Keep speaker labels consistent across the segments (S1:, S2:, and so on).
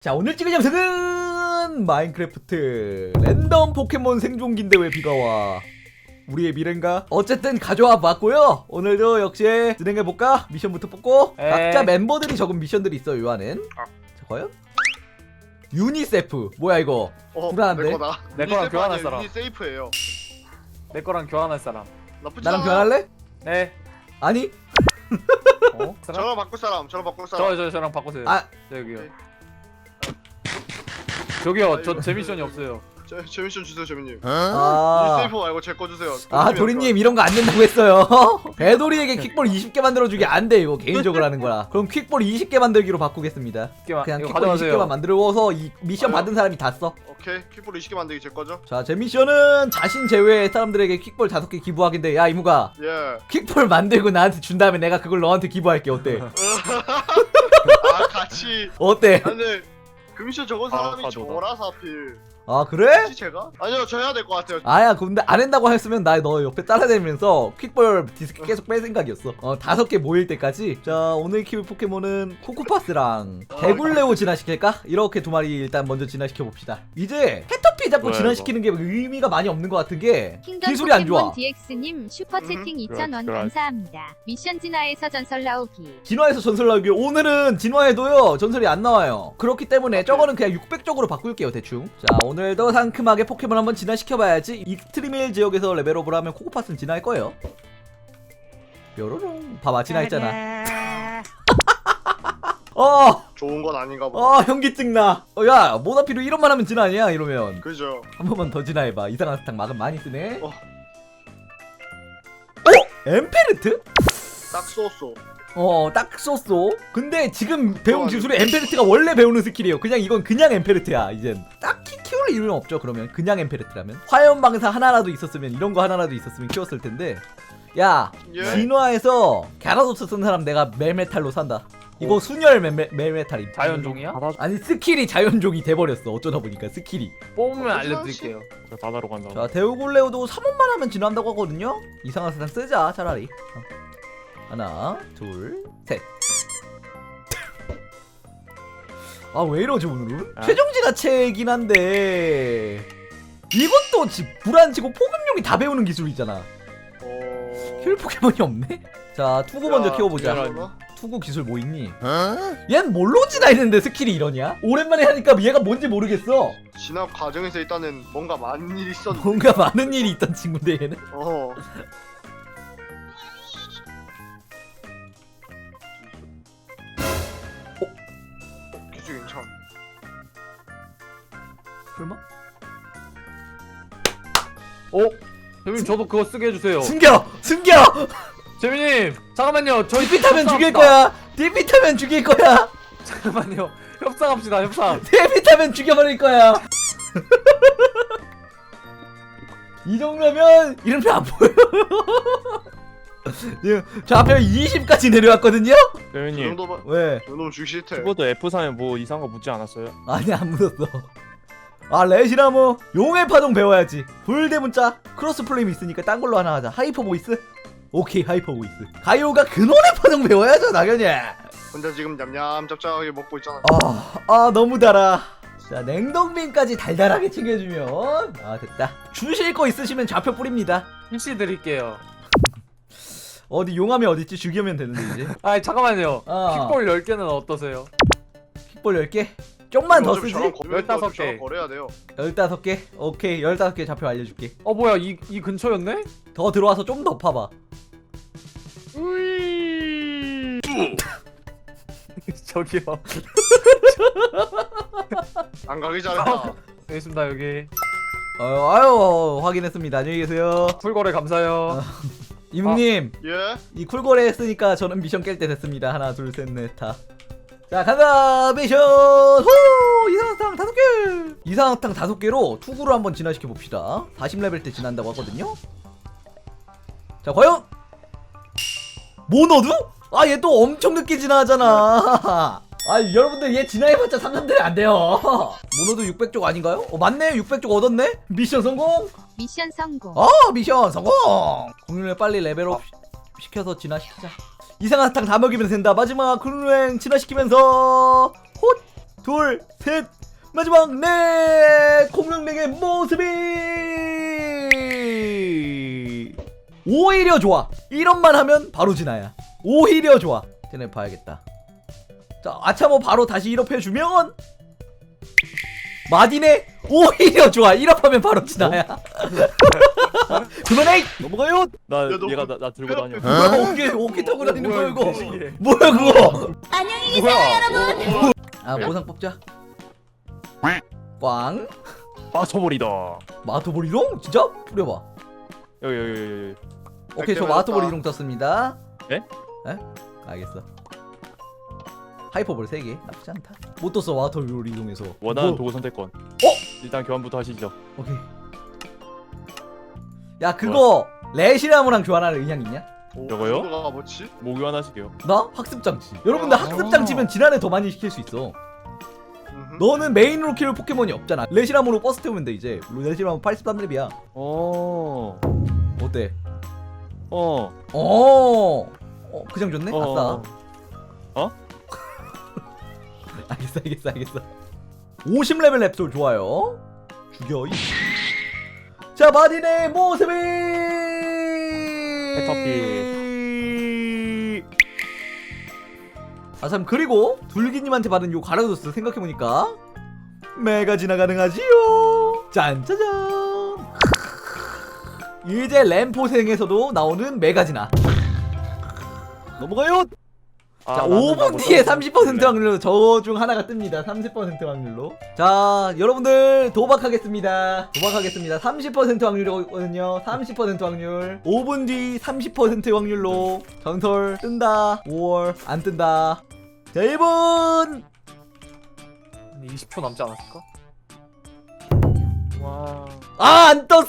S1: 자, 오늘 찍을 영상은 마인크래프트 랜덤 포켓몬 생존기인데 왜 비가 와? 우리의 미래인가? 어쨌든 가져와 봤고요. 오늘도 역시 진행해볼까? 미션부터 뽑고 각자 멤버들이 적은 미션들이 있어요. 요 안엔 자, 과연? 유니세프 뭐야 이거? 불안한데?
S2: 내 거랑 교환할 사람.
S3: 유니세이프예요.
S2: 내 거랑 교환할 사람.
S3: 나쁘지
S1: 나랑
S3: 않아.
S1: 교환할래?
S2: 네.
S1: 아니?
S2: 어?
S3: 저랑 바꿀 사람. 저랑 바꿀 사람.
S2: 저랑 바꿔주세요.
S1: 아,
S2: 여기요.
S3: 오케이.
S2: 저기요. 저 제 미션이 없어요.
S3: 제 미션 주세요, 재민님.
S1: 아,
S3: 유니세이프 말고 제 거 주세요.
S1: 도리님 이런 거 안 된다고 했어요. 배도리에게 퀵볼 20개 만들어주기 안 돼. 이거 개인적으로 하는 거라. 그럼 퀵볼 20개 만들기로 바꾸겠습니다. 그냥
S2: 이거
S1: 퀵볼
S2: 가져가세요.
S1: 20개만 만들어서 이 미션
S3: 아유.
S1: 받은 사람이 다 써.
S3: 오케이. 킥볼 20개 만들기 제 거죠?
S1: 자, 제 미션은 자신 제외의 사람들에게 킥볼 5개 기부하기인데, 야 이무가
S3: 예.
S1: 킥볼 만들고 나한테 준 다음에 내가 그걸 너한테 기부할게. 어때?
S3: 아, 같이.
S1: 어때?
S3: 아, 근데 그 미션 적은 사람이
S2: 가져다.
S3: 저라서 하필.
S1: 아 그래?
S3: 혹시 제가? 아니요, 저 해야 될 것 같아요.
S1: 아야, 근데 안 한다고 했으면 나 너 옆에 따라다니면서 퀵볼 디스크 계속 뺄 생각이었어. 5개 모일 때까지. 자, 오늘 키울 포켓몬은 코코파스랑 개굴레오 진화시킬까? 이렇게 두 마리 일단 먼저 진화시켜 봅시다. 이제 캐터피 잡고
S2: 뭐야,
S1: 진화시키는 게 의미가 많이 없는 것 같은 게
S4: 킹덤
S1: 기술이 안 좋아.
S4: 포켓몬 DX님 슈퍼채팅 2,000원
S2: 그래.
S4: 감사합니다. 미션 진화에서 전설 나오기.
S1: 진화에서 전설 나오기. 오늘은 진화해도요 전설이 안 나와요. 그렇기 때문에 저거는 그냥 600쪽으로 바꿀게요 대충. 자, 오늘도 상큼하게 포켓몬 한번 진화시켜봐야지. 익스트리밀 지역에서 레벨업을 하면 코코파스는 진화할 거예요. 뾰로롱. 봐봐, 진화했잖아.
S3: 좋은 건 아닌가 보다.
S1: 현기증 나. 야, 모나피로 이런만 하면 진화 아니야 이러면.
S3: 그죠?
S1: 한 번만 더 진화해봐. 이상한 사탕 막은 많이 쓰네.
S3: 어.
S1: 엠페르트?
S3: 딱 쏘쏘.
S1: 딱 썼어. 근데 지금 배운 기술이 엠페르트가 원래 배우는 스킬이에요. 그냥 이건 그냥 엠페르트야. 이젠 딱히 키울 이유는 없죠. 그러면 그냥 엠페르트라면 화염방사 하나라도 있었으면, 이런 거 하나라도 있었으면 키웠을 텐데. 야,
S3: 예.
S1: 진화에서 갸라도스 쓴 사람 내가 멜메탈로 산다. 이거 순열 멜메탈임.
S2: 자연종이야?
S1: 아니, 스킬이 자연종이 돼버렸어. 어쩌다 보니까 스킬이.
S2: 뽑으면 알려드릴게요.
S5: 바다로 간다.
S1: 자, 데우골레오도 3원만 하면 진화한다고 하거든요. 이상한 사탕 쓰자 차라리. 하나, 둘, 셋. 아, 왜 이러지 오늘은? 최종 진화체이긴 한데 이것도 불안치고 포근용이 다 배우는 기술이잖아. 키울 포켓몬이 없네? 자, 투구 먼저 키워보자.
S3: 미안하다.
S1: 투구 기술 뭐 있니? 얜 뭘로 진화했는데 스킬이 이러냐? 오랜만에 하니까 얘가 뭔지 모르겠어.
S3: 진압 과정에서 일단은 뭔가 많은 일이 있었는데.
S1: 뭔가 많은 일이 있던 친구인데 얘는.
S3: 기술 괜찮.
S1: 설마?
S2: 재민님 저도 그거 쓰게 해주세요.
S1: 숨겨! 숨겨!
S2: 재민님 잠깐만요. 저희
S1: DP 타면 죽일
S2: 협상합시다.
S1: 거야! DP 타면 죽일 거야!
S2: 잠깐만요. 협상합시다. 협상.
S1: DP 타면 죽여버릴 거야! 이 정도면 이름표 안 보여. 저 앞에 20까지 내려왔거든요?
S3: 그
S5: 대현님,
S3: 정도면
S1: 왜?
S3: 그 정도면 주기 싫대.
S5: 키보드 F3에 뭐 이상한 거 묻지 않았어요?
S1: 아니, 안 묻었어. 아, 레시나무 용의 파동 배워야지. 불대문자 크로스 플레임 있으니까 딴 걸로 하나 하자. 하이퍼 보이스? 오케이, 하이퍼 보이스. 가요가 근원의 파동 배워야죠 당연히.
S3: 혼자 지금 냠냠 짭짭하게 먹고 있잖아.
S1: 너무 달아. 자, 냉동빈까지 달달하게 챙겨주면 됐다. 주실 거 있으시면 좌표 뿌립니다.
S2: PC 드릴게요.
S1: 어디 용암이 어딨지? 죽이면 되는데 이제.
S2: 아 잠깐만요.
S1: 어.
S2: 킥볼 10개는 어떠세요?
S1: 킥볼 10개? 좀만 더
S3: 어차피
S1: 쓰지?
S3: 저랑 거래해야
S2: 15개.
S3: 저랑 거래해야 돼요.
S1: 15개? 오케이, 15개 좌표 알려줄게.
S2: 뭐야 이 근처였네?
S1: 더 들어와서 좀 더 파봐.
S2: 저기요.
S3: 안 가기 잘했다.
S2: 여기 있습니다 여기.
S1: 아유, 확인했습니다. 안녕히 계세요.
S2: 풀거래 감사해요.
S1: 이묵님,
S3: 예?
S1: 이 쿨거래 했으니까 저는 미션 깰 때 됐습니다. 하나, 둘, 셋, 넷, 다. 자, 간다! 미션! 후! 이상사탕 5개! 이상사탕 5개로 투구로 한번 진화시켜 봅시다. 40레벨 때 진화한다고 하거든요? 자, 과연! 모노드? 얘 또 엄청 늦게 진화하잖아. 여러분들 얘 진화해봤자 3,3대는 안 돼요. 모노드 600쪽 아닌가요? 맞네, 600쪽 얻었네? 미션 성공!
S4: 미션 성공.
S1: 미션 성공! 공룡을 빨리 레벨업 시켜서 진화시키자. 이상한 사탕 다 먹이면 된다. 마지막 클루행 진화시키면서 헛! 둘, 셋 마지막 넷 공룡랭의 모습이 오히려 좋아. 이런만 하면 바로 진아야. 오히려 좋아. 쟤네 봐야겠다. 자 아차모 바로 다시 1업 해주면 마디네 오히려 좋아. 1업 하면 바로 진아야. 그만해. 넘어가요.
S5: 나
S3: 너
S5: 얘가 나 들고 다녀.
S1: 뭐야 오기 타고 다니는 거야 이거.
S2: 이게.
S1: 뭐야 그거.
S4: 안녕히
S2: 뭐야?
S1: 아 보상 뽑자. 꽝.
S5: 맞춰버리다.
S1: 마토보리롱? 진짜? 뿌려봐.
S5: 여기.
S1: 오케이 저
S3: 맞았다.
S1: 마토보리롱 떴습니다.
S5: 네?
S1: 에? 알겠어. 하이퍼볼 3개 나쁘지 않다. 못 떴어 마토보리롱에서.
S5: 원하는
S1: 뭐,
S5: 도구 선택권. 일단 교환부터 하시죠.
S1: 오케이. 야 그거 레시나무랑 교환할 의향 있냐?
S5: 저거요?
S3: 뭐가 뭐지?
S5: 뭐 교환하시게요?
S1: 나 학습장치. 여러분들 학습장치면 지난해 더 많이 시킬 수 있어.
S3: 음흠.
S1: 너는 메인으로 키울 포켓몬이 없잖아. 레시나무로 버스 태우면 돼 이제. 레시나무 83렙이야. 어때? 그냥 좋네? 아싸. 알겠어. 50레벨 랩솔 좋아요. 죽여. 자, 마딘의 모습이. 아, 참, 그리고, 둘기님한테 받은 요 가라도스 생각해보니까, 메가지나 가능하지요. 짠짜잔. 이제 램포생에서도 나오는 메가지나. 넘어가요. 자, 5분 뒤에 30% 확률로 저 중 하나가 뜹니다. 30% 확률로. 자, 여러분들 도박하겠습니다. 30% 확률이거든요. 30% 확률. 5분 뒤 30% 확률로 전설 뜬다. 5월 안 뜬다. 자, 1분.
S2: 20초 남지 않았을까?
S5: 와.
S1: 아, 안 떴어요.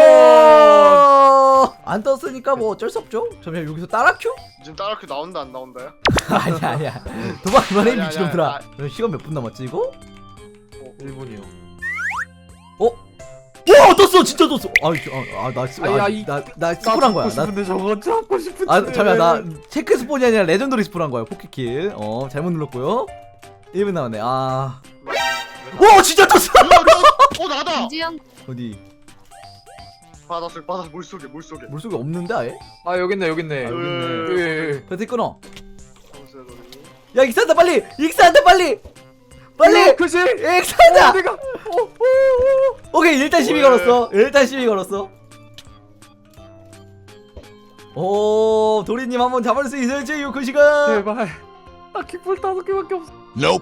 S2: 디스폰!
S1: 안 떴으니까 뭐 어쩔 수 없죠. 잠시만 여기서 따라 큐?
S3: 지금 따라큐 나온다 안 나온다요?
S1: 아니야. 도박 그만해
S3: 아니야,
S1: 미친놈들아.
S3: 아니야.
S1: 시간 몇 분 남았지 이거?
S2: 1분이요.
S1: 와 떴어 진짜 떴어. 나 스폰한 거야.
S2: 싶은데 저거 잡고 싶은데.
S1: 잠깐만 나 체크 스폰이 아니라 레전더리 스폰한 거야. 포켓킬. 잘못 눌렀고요. 1분 남았네. 와 진짜 떴어.
S3: 나다.
S4: 김주영
S1: 어디
S3: 바다 물속에
S1: 물속에 없는데 아예?
S2: 아 여기 있네.
S3: 여기 있네.
S2: 여기.
S1: 배터리 끊어.
S3: 잠시만요, 너님.
S1: 야 익산다 빨리. 빨리.
S2: 그지?
S1: 익산다.
S2: 내가.
S1: 오케이 일단 시비 걸었어. 오 도리님 한번 잡을 수 있을지 그 시간.
S2: 제발. 나 깃불 5개밖에 없어.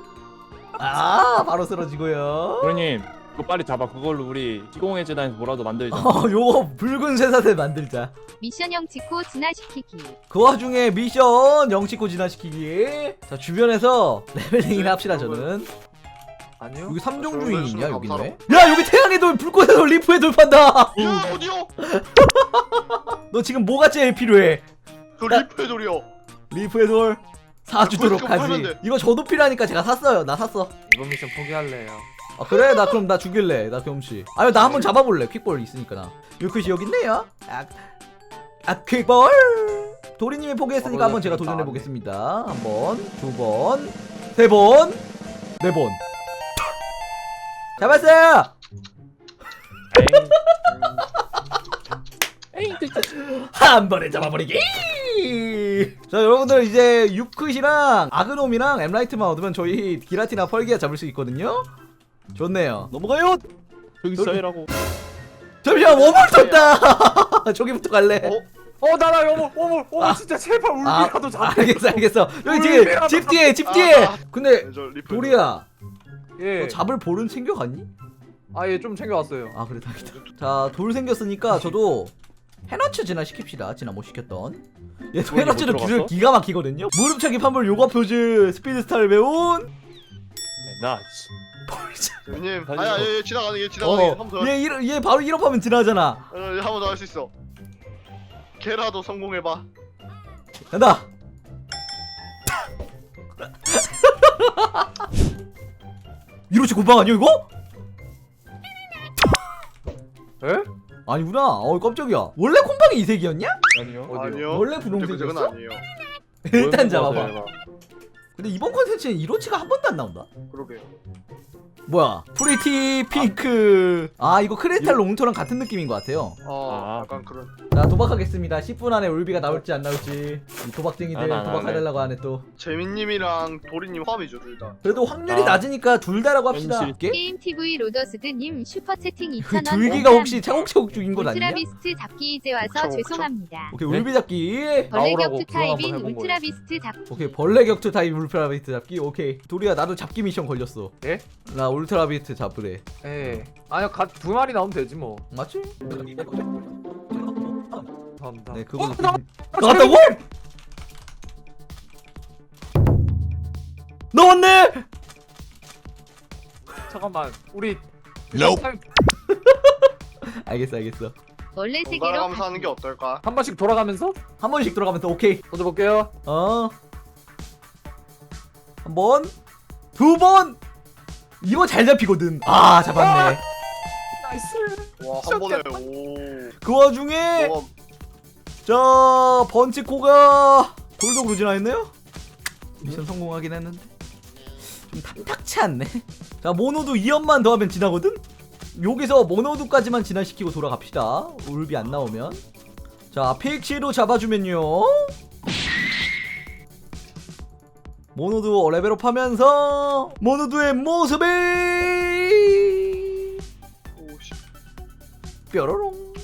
S1: 아 바로 쓰러지고요.
S5: 도련님 그거 빨리 잡아. 그걸로 우리 시공의 재단에서 뭐라도 만들자.
S1: 요거 붉은 쇠사슬 만들자.
S4: 미션형 찍고 진화시키기.
S1: 그 와중에 미션 영치고 진화시키기. 자 주변에서 레벨링이나 합시다 저는.
S2: 아니요.
S1: 여기 3종 주인 있냐 여기
S3: 감사로.
S1: 있네. 야 여기 태양의 돌 불꽃의 돌 리프의 돌 판다.
S3: 야 어디요?
S1: 너 지금 뭐가 제일 필요해?
S3: 저 리프의 돌이요.
S1: 리프의 돌 사주도록
S3: 그거 팔면
S1: 하지.
S3: 돼.
S1: 이거 저도 필요하니까 제가 샀어요. 나 샀어.
S2: 이번 미션 포기할래요.
S1: 아 그래? 나 그럼 나 죽일래. 나 겸시. 아니 나 한번 잡아볼래. 퀵볼 있으니까 나. 유크시 여기 있네요. 퀵볼. 도리님이 포기했으니까 한번 제가 도전해 보겠습니다. 한 번, 두 번, 세 번, 네 번. 잡았어요. 한 번에 잡아버리기. 자 여러분들 이제 유크시랑 아그놈이랑 엠라이트만 얻으면 저희 기라티나 펄기아 잡을 수 있거든요. 좋네요. 넘어가요.
S5: 저기 써이라고.
S1: 잠시만 워물 떴다. 저기부터 갈래.
S2: 나나 어머 진짜 제발 울비라도 잡아.
S1: 알겠어. 여기 지금 집 뒤에. 근데
S3: 저 리프의
S1: 도리야,
S2: 예.
S1: 너 잡을 볼은 챙겨갔니?
S2: 아예 좀 챙겨왔어요.
S1: 아 그래 다행이다. 자 돌 생겼으니까 저도 해너츠 진화 시킵시다. 진화 못 시켰던. 얘도
S5: 돌이
S1: 해너츠는
S5: 못
S1: 기술
S5: 들어갔어?
S1: 기가 막히거든요. 무릎차기 판볼 요가 표즈 스피드스타를 배운.
S5: 나.
S3: 돌님.
S5: 다시
S3: 아야 얘 지나가네. 한번 더.
S1: 얘 바로 1업하면 진화하잖아.
S3: 한번 더 할 수 있어. 걔라도 성공해봐.
S1: 간다. 이로치 곰팡 아니야 이거?
S2: 에?
S1: 아니구나. 깜짝이야. 원래 곰팡이 이 색이었냐?
S5: 아니요.
S2: 어디요?
S3: 아니요.
S1: 원래
S3: 그건
S1: 분홍색이었어?
S3: 아니에요.
S1: 일단 잡아봐. 근데 이번 컨텐츠는 이로치가 한 번도 안 나온다.
S3: 그러게요.
S1: 뭐야? 프리티 핑크. 아 이거 크리스탈 롱토랑 같은 느낌인 것 같아요.
S5: 아.
S3: 약간 그런.
S1: 자 도박하겠습니다. 10분 안에 울비가 나올지 안 나올지. 이 도박쟁이들
S5: 안
S1: 도박하려고 하네 또.
S3: 재민님이랑 도리님 화합이죠 둘 다.
S1: 그래도 확률이
S5: 아.
S1: 낮으니까 둘 다라고 합시다.
S5: 현실.
S1: 이게?
S4: 게임 TV 로더스드님 슈퍼 채팅
S1: 그
S4: 2,000원.
S1: 둘기가 혹시 차곡차곡 죽인 건 아니냐?
S4: 울트라비스트 잡기 이제 와서
S3: 그쵸, 그쵸.
S4: 죄송합니다.
S1: 오케이
S5: 네?
S1: 울비 잡기.
S4: 벌레
S5: 나오라고
S4: 격투
S5: 그거 한번
S4: 타입인
S5: 해본 거예요.
S4: 울트라비스트 잡기.
S1: 오케이 벌레 격투 타입 울트라비스트 잡기. 오케이 도리야 나도 잡기 미션 걸렸어.
S2: 예?
S1: 나 울트라비스트 잡으래.
S2: 예. 아니요, 두 마리 나오면 되지 뭐.
S1: 맞지?
S2: 감사합니다.
S1: 네 그거
S2: 나-
S1: 나왔다고? 나왔네!
S2: 잠깐만, 우리
S1: 알겠어.
S4: 원래 세계로
S3: 번갈아가면서 하는 게 어떨까?
S2: 한 번씩 돌아가면서
S1: 한 번씩 들어가면서 오케이.
S2: 던져볼게요.
S1: 한 번, 두 번. 이거 잘 잡히거든. 아 잡았네.
S2: 나이스.
S3: 와 한 번에 오.
S1: 그 와중에
S3: 뭐가
S1: 자 번치코가 골독으로 진화했네요. 미션 성공하긴 했는데 좀 탐탁치 않네. 자 모노도 2연만 더하면 진화거든. 여기서 모노도까지만 진화시키고 돌아갑시다. 울비 안 나오면. 자 픽시로 잡아주면요. 모노도 레벨업하면서 모노도의 모습이
S3: 오씨.
S1: 뾰로롱.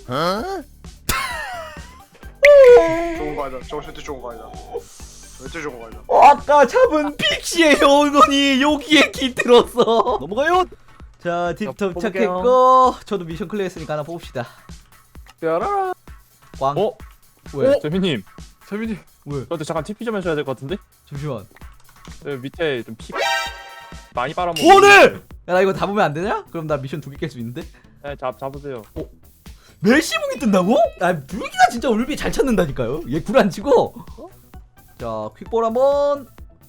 S3: 좋은 거 아니다. 저거 절대 좋은 거 아니다. 절대 좋은 거 아니다.
S1: 아까 잡은 픽시의 영혼이 여기에 깃들었어. 넘어가요. 자 딥
S2: 뽑을게요.
S1: 도착했고 저도 미션 클리어했으니까 하나 뽑읍시다.
S2: 뾰라라.
S1: 꽝.
S5: 어?
S1: 왜?
S5: 재민님
S2: 재민이.
S1: 왜?
S5: 저한테 잠깐 TP 좀 해줘야 될 것 같은데?
S1: 잠시만.
S5: 여기 밑에 좀 피 많이 빨아먹어.
S1: 오늘! 야 나 이거 다 보면 안 되냐? 그럼 나 미션 2개 깰 수 있는데?
S5: 네, 잡으세요.
S1: 멜시봉이 뜬다고? 아 불기가 진짜 울비 잘 찾는다니까요. 얘 굴 안 치고. 자 퀵볼 한번.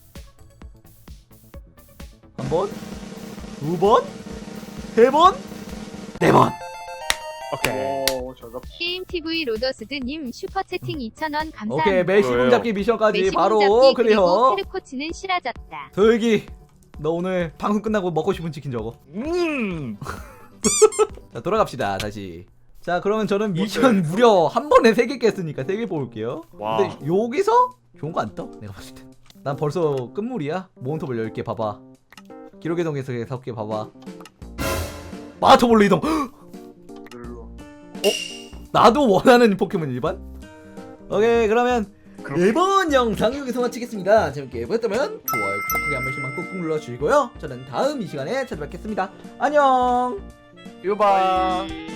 S1: 한 번. 두 번. 세 번. 네 번.
S5: 오케이.
S3: 오, 잘 잡.
S4: 게임 TV 로더스드님 슈퍼 채팅 2,000원 감사합니다.
S1: 오케이 멜시봉
S5: 뭐예요?
S1: 잡기 미션까지
S4: 메시봉
S1: 바로
S4: 잡기 그리고
S1: 클리어.
S4: 페르코치는 싫어졌다.
S1: 도혁이 너 오늘 방송 끝나고 먹고 싶은 치킨 적어. 자 돌아갑시다 다시. 자 그러면 저는 미션 무려 한 번에 3개 깼으니까 3개 뽑을게요.
S5: 와.
S1: 근데 여기서 좋은 거 안 떠? 내가 봤을 때. 난 벌써 끝물이야. 모온톱을 10개 봐봐. 기록의 동에서 6개 봐봐. 마토볼로 이동.
S3: 일로.
S1: 나도 원하는 포켓몬 일반. 오케이 그러면 이번 영상 여기서 마치겠습니다. 재밌게 보셨다면 좋아요 구독하기 한 번씩만 꾹꾹 눌러주시고요. 저는 다음 이 시간에 찾아뵙겠습니다. 안녕.
S2: 유바.
S3: 바이.